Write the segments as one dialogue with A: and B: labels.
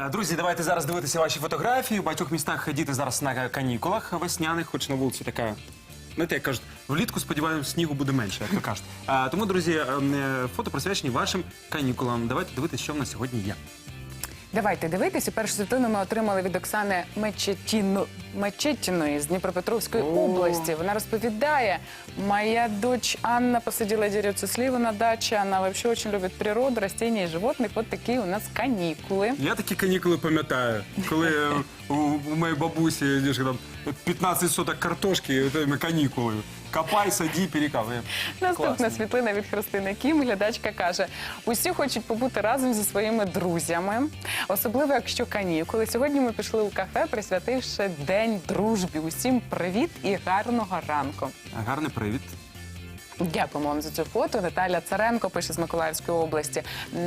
A: Друзі, давайте зараз дивитися ваші фотографії. У багатьох містах діти зараз на канікулах весняних, хоч на вулиці така, знаєте, як кажуть, влітку, сподіваємось, снігу буде менше, як то кажуть. Тому, друзі, фото присвячені вашим канікулам. Давайте дивитися, що в нас сьогодні є.
B: Давайте дивитися. Першу світлину ми отримали від Оксани Мечетіної з Дніпропетровської області. Вона розповідає: моя дочь Анна посадила деревцу сливы на даче. Она вообще очень любит природу, растения и животных. Вот такие у нас канікули.
A: Я такі канікули пам'ятаю, коли у моєї бабусі 15 соток картошки, канікули. Копай, саді, перекапай.
B: Наступна світлина від Христини Кім. Глядачка каже: усі хочуть побути разом зі своїми друзями, особливо якщо канікули. Сьогодні ми пішли у кафе, присвятивши День дружбі. Усім привіт і гарного ранку.
A: Гарний привіт.
B: Дякуємо вам за цю фото. Наталя Царенко пише з Миколаївської області,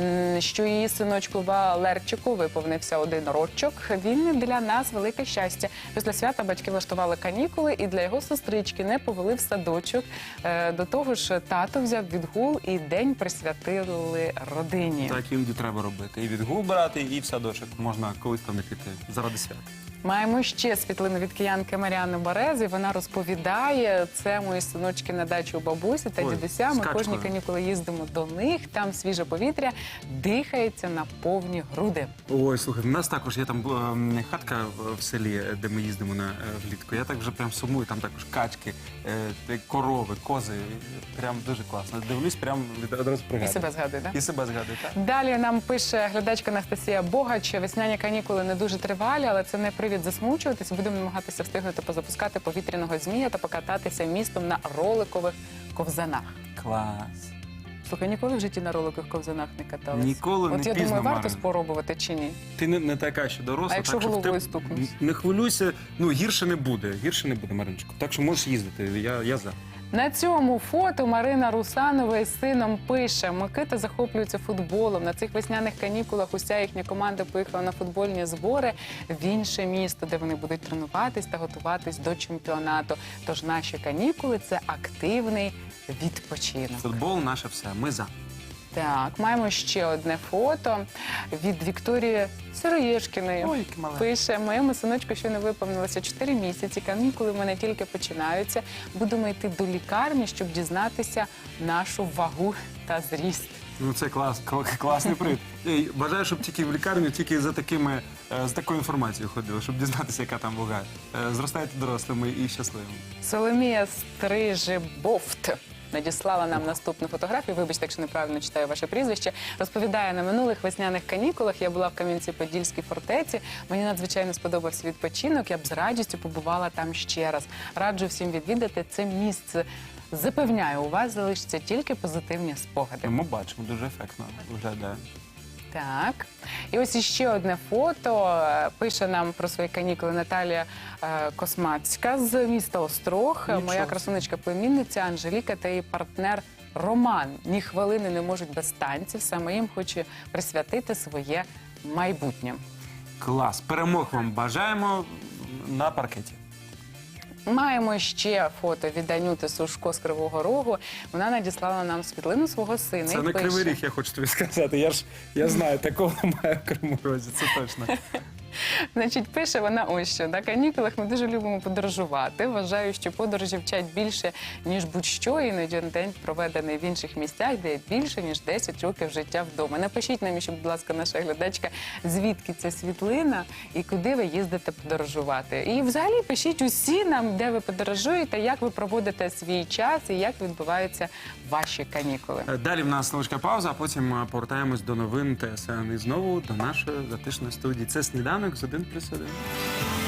B: що її синочку Валерчику виповнився 1 рочок. Він для нас велике щастя. Після свята батьки влаштували канікули і для його сестрички не повели в садочок. До того ж, тато взяв відгул і день присвятили родині.
A: Так іноді треба робити. І відгул брати, і в садочок. Можна колись там не піти заради свята.
B: Маємо ще світлину від киянки Маріани Берези. Вона розповідає, це мої синочки на дачу у бабусі та дідуся. Ми кожні канікули їздимо до них, там свіже повітря, дихається на повні груди.
A: Ой, слухай, у нас також є там хатка в селі, де ми їздимо влітку. Я так вже прям сумую, там також качки, корови, кози. Прям дуже класно. Дивлюсь, прям одразу пригадую.
B: І себе згадую, так?
A: І себе згадую, так.
B: Далі нам пише глядачка Анастасія Богач: весняні канікули не дуже тривалі, але це не привід засмучуватися. Будемо намагатися встигнути позапускати повітряного змія та покататися містом на роликових ковзанах.
A: Клас.
B: Слухай, ніколи в житті на роликових ковзанах не каталась?
A: Ніколи не пізно,
B: От я думаю, варто
A: Марин.
B: спробувати чи ні?
A: Ти не така, що доросла.
B: А якщо
A: так,
B: головою стукнусь?
A: Не хвилюйся, гірше не буде, Мариночко. Так що можеш їздити, я за.
B: На цьому фото Марина Русанова із сином пише: Микита захоплюється футболом. На цих весняних канікулах уся їхня команда поїхала на футбольні збори в інше місто, де вони будуть тренуватись та готуватись до чемпіонату. Тож наші канікули – це активний відпочинок.
A: Футбол – наше все, ми за.
B: Так, маємо ще одне фото від Вікторії Сироєшкіної.
A: Ой, яке мале.
B: Пише: моєму синочку щойно виповнилося 4 місяці, канікули в мене тільки починаються. Будемо йти до лікарні, щоб дізнатися нашу вагу та зріст.
A: Ну це класний привід. Бажаю, щоб тільки в лікарню, тільки з такою інформацією ходили, щоб дізнатися, яка там вага. Зростайте дорослими і щасливими.
B: Соломія Стрижебовт надіслала нам наступну фотографію. Вибачте, якщо неправильно читаю ваше прізвище. Розповідає: на минулих весняних канікулах я була в Кам'янці-Подільській фортеці. Мені надзвичайно сподобався відпочинок. Я б з радістю побувала там ще раз. Раджу всім відвідати це місце. Запевняю, у вас залишаться тільки позитивні спогади.
A: Ми бачимо, дуже ефектно виглядає.
B: Так. І ось іще одне фото. Пише нам про свої канікули Наталія Космацька з міста Острог.
A: Нічого.
B: Моя красунечка-племінниця Анжеліка та її партнер Роман ні хвилини не можуть без танців. Саме їм хочу присвятити своє майбутнє.
A: Клас. Перемог вам бажаємо на паркеті.
B: Маємо ще фото від Анюти Сушко з Кривого Рогу. Вона надіслала нам світлину свого сина.
A: Це не Кривий Ріг, я хочу тобі сказати. Я знаю, такого немає в Кривому Розі, це точно.
B: Значить, пише вона ось що: на канікулах ми дуже любимо подорожувати. Вважаю, що подорожі вчать більше, ніж будь-що. Іноді день проведений в інших місцях, де більше, ніж 10 років життя вдома. Напишіть нам, будь ласка, наша глядачка, звідки ця світлина і куди ви їздите подорожувати. І взагалі пишіть усі нам, де ви подорожуєте, як ви проводите свій час і як відбуваються ваші канікули.
A: Далі в нас невеличка пауза, а потім повертаємось до новин ТСН і знову до нашої затишної студії. Це «Сніданок» з 1+1.